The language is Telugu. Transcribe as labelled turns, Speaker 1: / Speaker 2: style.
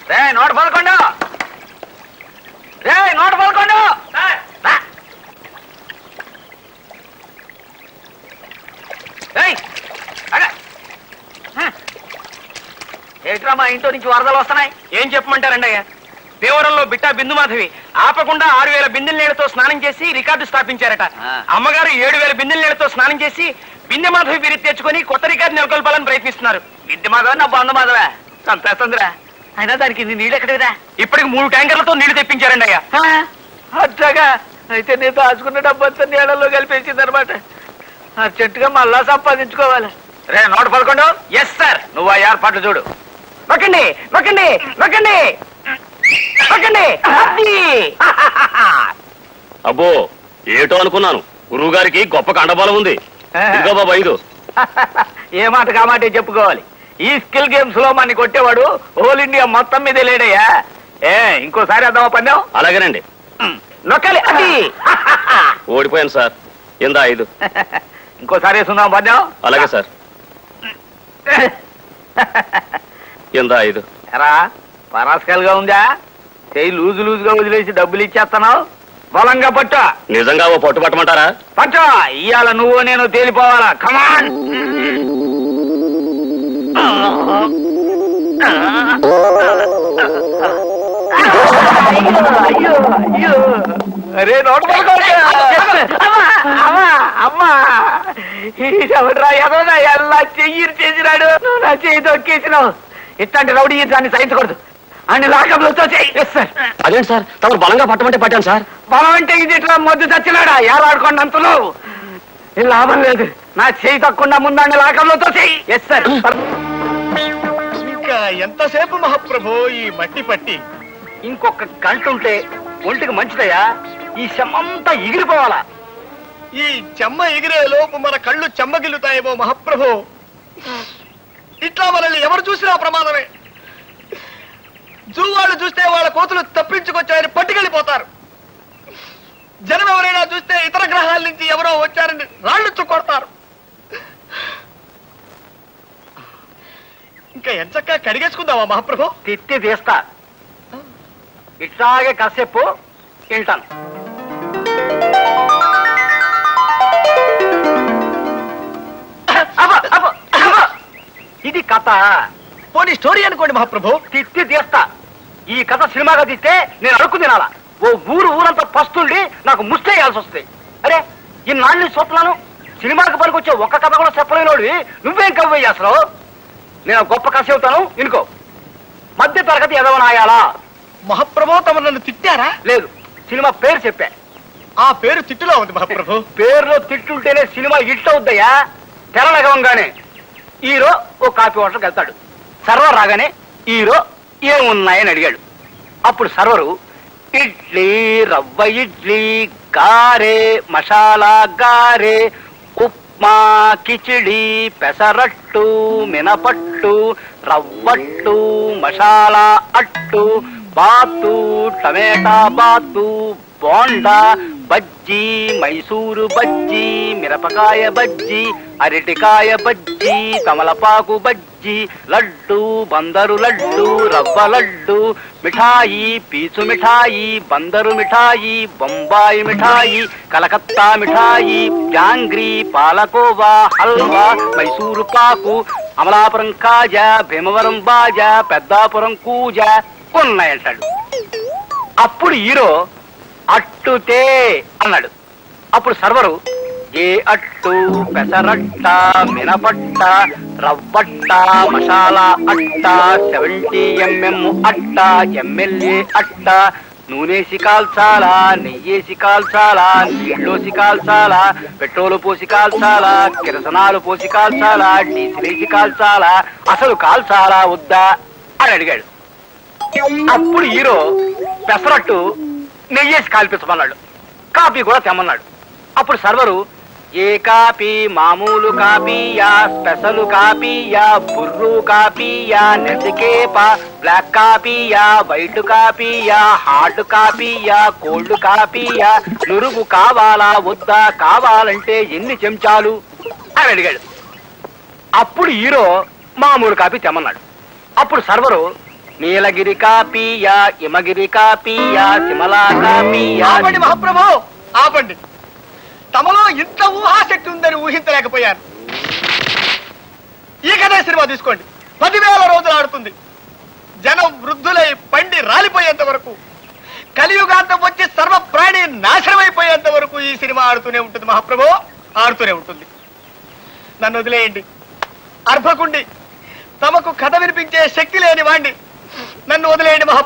Speaker 1: నోట పలకొండు నోట పలకొండు ఏట్రా మా ఇంట్లో నుంచి వరదలు వస్తున్నాయి.
Speaker 2: ఏం చెప్పమంటారండి అయ్యా? దేవరంలో బిట్టా బిందుమాధవి ఆపకుండా 6000 బిందెల నీళ్లతో స్నానం చేసి రికార్డు స్థాపించారట. అమ్మగారు 7000 బిందెల నీళ్లతో స్నానం చేసి బిందె మాధవి బిరి తెచ్చుకొని కొత్త రికార్డు నెలకొల్పాలని ప్రయత్నిస్తున్నారు.
Speaker 1: బిందె మాధవ నా బంధు మాధవా చంపేస్తుందిరా. అయినా దానికి నీళ్ళు ఎక్కడిరా?
Speaker 2: ఇప్పటికి 3 ట్యాంకర్లతో నీళ్లు తెప్పించారండి అయ్యా.
Speaker 1: అట్లాగా? అయితే నేను దాచుకున్న డబ్బంతా నీళ్ళలో కలిపేసింది అనమాట. అర్జెంటుగా మళ్ళా సంపాదించుకోవాలి. రే నోట పలకొండు.
Speaker 2: Yes sir.
Speaker 1: నువ్వు ఆ ఏర్పాట్లు చూడు.
Speaker 2: నొక్కండి నొక్కండి నొక్కండి నొక్కండి.
Speaker 3: అబ్బో ఏటో అనుకున్నాను. గురువు గారికి గొప్ప కండబలం ఉంది. ఇదిగో బాబా 5.
Speaker 1: ఏ మాట కామాటే చెప్పుకోవాలి. ఈ స్కిల్ గేమ్స్ లో మన కొట్టేవాడు హోల్ ఇండియా మొత్తం మీద లేడయ్యా. ఇంకోసారి అద్దామా పందెం?
Speaker 3: అలాగేనండి.
Speaker 1: నొక్కాలి. అది
Speaker 3: ఓడిపోయాను సార్. ఇందా 5.
Speaker 1: ఇంకోసారి వేసుకుందాం పందెం?
Speaker 3: అలాగే సార్. ఇందా 5.
Speaker 1: ఎరా పరాస్కల్గా ఉందా? చెయ్యి లూజుగా వదిలేసి డబ్బులు ఇచ్చేస్తున్నావు. బలంగా పట్టు.
Speaker 3: నిజంగా ఓ పట్టు పట్టమంటారా?
Speaker 1: పట్టు. ఇవాళ నువ్వు నేను తేలిపోవాలా. కమాన్. అరే నోట్ అమ్మా ఎవడ్రా ఎదోనా ఎలా చెయ్యి చేసినాడు. నువ్వు నా చెయ్యి తొక్కేసినావు. ఇట్లాంటి రౌడీ దాన్ని సహించకూడదు. అన్ని లాకప్లతో చెయ్యి.
Speaker 3: అదేంటి సార్ తమరు బలంగా పట్టమంటే పట్టాను సార్.
Speaker 1: బలం అంటే ఇది ఇట్లా మొద్దు చచ్చినాడా? ఏలాడుకోండి అంతలో లాభం లేదు. నా చెయ్యి తక్కువ ముందాన్ని లాకప్లతో చెయ్యి. Yes sir.
Speaker 2: ఇంకా ఎంతసేపు మహాప్రభు ఈ మట్టి పట్టి?
Speaker 1: ఇంకొక గంట ఉంటే ఒంటికి మంచిదయ్యా. ఈ శమంతా ఎగిరిపోవాలా.
Speaker 2: ఈ చెమ్మ ఎగిరే లోపు మన కళ్ళు చెమ్మగిల్లుతాయేమో మహాప్రభు. ఇట్లా మనల్ని ఎవరు చూసినా ప్రమాదమే. జూ వాళ్ళు చూస్తే వాళ్ళ కోతులు తప్పించుకొచ్చాయని పట్టుకెళ్ళిపోతారు. జనం ఎవరైనా చూస్తే ఇతర గ్రహాల నుంచి ఎవరో వచ్చారని రాళ్ళు కొడతారు. ఇంకా ఎంచక్కా కడిగేసుకుందామా మహాప్రభు?
Speaker 1: తిత్తి తీస్తా. ఇట్లాగే కాసేపు వింటాను. ఇది కథ.
Speaker 2: పోనీ స్టోరీ అనుకోండి మహాప్రభు.
Speaker 1: తిత్తి తీస్తా. ఈ కథ సినిమాగా తీస్తే నేను అడుక్కు తినాలా. ఓ ఊరంతా పస్తుండి నాకు ముస్తేయాల్సి వస్తాయి. అరే ఈ నాన్ని చూస్తున్నాను. సినిమాకి పనికొచ్చే ఒక్క కథ కూడా చెప్పలేనోడివి నువ్వేం కవ్వయ్యి అసలు. నేను గొప్ప కథ చెబుతాను వినుకో. మధ్య తరగతి ఎదవనాయాలా.
Speaker 2: మహాప్రభు తమ నన్ను తిట్టారా?
Speaker 1: లేదు, సినిమా పేరు చెప్పా.
Speaker 2: ఆ పేరు తిట్టులో ఉంది మహాప్రభు.
Speaker 1: పేరులో తిట్టుంటేనే సినిమా హిట్ అవుద్దయ్యా. తెరలగవంగానే హీరో ఓ కాఫీ హోటల్కి వెళ్తాడు. సర్వర్ రాగానే హీరో ఏమున్నాయని అడిగాడు. అప్పుడు సర్వరు ఇడ్లీ, రవ్వ ఇడ్లీ, గారే, మసాలా గారే, ఉప్మా, కిచిడి, పెసరట్టు, మినపట్టు, రవ్వట్టు, మసాలా అట్టు, బాతు, టమేటా బాతు, బోండా, బజ్జీ, మైసూరు బజ్జీ, మిరపకాయ బజ్జీ, అరటికాయ బజ్జీ, తమలపాకు బజ్జీ, లడ్డు, బందరు లడ్డు, రవ్వ లడ్డు, మిఠాయి, పీచు మిఠాయి, బందరు మిఠాయి, బొంబాయి మిఠాయి, కలకత్తా మిఠాయి, జాంగ్రీ, పాలకోవా, హల్వా, మైసూరు పాకు, అమలాపురం కాజా, భీమవరం బాజా, పెద్దాపురం కూజా ఉన్నాయంటాడు. అప్పుడు హీరో అట్టుతే అన్నాడు. అప్పుడు సర్వరు ఏ అట్టు, పెసరట్ట, మినపట్ట, రవ్వట్ట, మసాలా అట్ట, 70 mm అట్ట, ఎమ్మెల్యే అట్ట, నూనెసి కాల్చాలా, నెయ్యేసి కాల్చాలా, నీళ్ళోసి కాల్చాలా, పెట్రోలు పోసి కాల్చాలా, కిరసనాలు పోసి కాల్చాలా, డీజిలేసి కాల్చాలా, అసలు కాల్చాలా వద్దా అని అడిగాడు. అప్పుడు హీరో పెసరట్టు నెయ్యేసి కాల్పించమన్నాడు. కాఫీ కూడా తెమ్మన్నాడు. అప్పుడు సర్వరు ఏ కాపీ, మామూలు కాపీయా, స్పెషల్ కాపీయా, బుర్రు కాపీయా, నెసికేప, బ్లాక్ కాపీయా, వైట్ కాపీయా, హార్డ్ కాపీయా, కోల్డ్ కాపీయా, నురుగు కావాలా వద్దా, కావాలంటే ఎన్ని చెంచాలు అని అడిగాడు. అప్పుడు హీరో మామూలు కాపీ తెమ్మన్నాడు. అప్పుడు సర్వరు నీలగిరి కాపీయా హిమగిరి కాపీయా సిమలా కాపీయా.
Speaker 2: ఆపండి మహాప్రభు, ఆపండి. తమలో ఇంత ఊహాశక్తి ఉందని ఊహించలేకపోయాను. ఈ కథ సినిమా తీసుకోండి, 10,000 రోజులు ఆడుతుంది. జనం వృద్ధులై పండి రాలిపోయేంత వరకు, కలియుగాంతం వచ్చి సర్వ ప్రాణి నాశనమైపోయేంత వరకు ఈ సినిమా ఆడుతూనే ఉంటుంది మహాప్రభు, ఆడుతూనే ఉంటుంది. నన్ను వదిలేయండి. అర్భకుండి, తమకు కథ వినిపించే శక్తి లేని వాణ్ణి, నన్ను వదిలేయండి మహాప్రభు.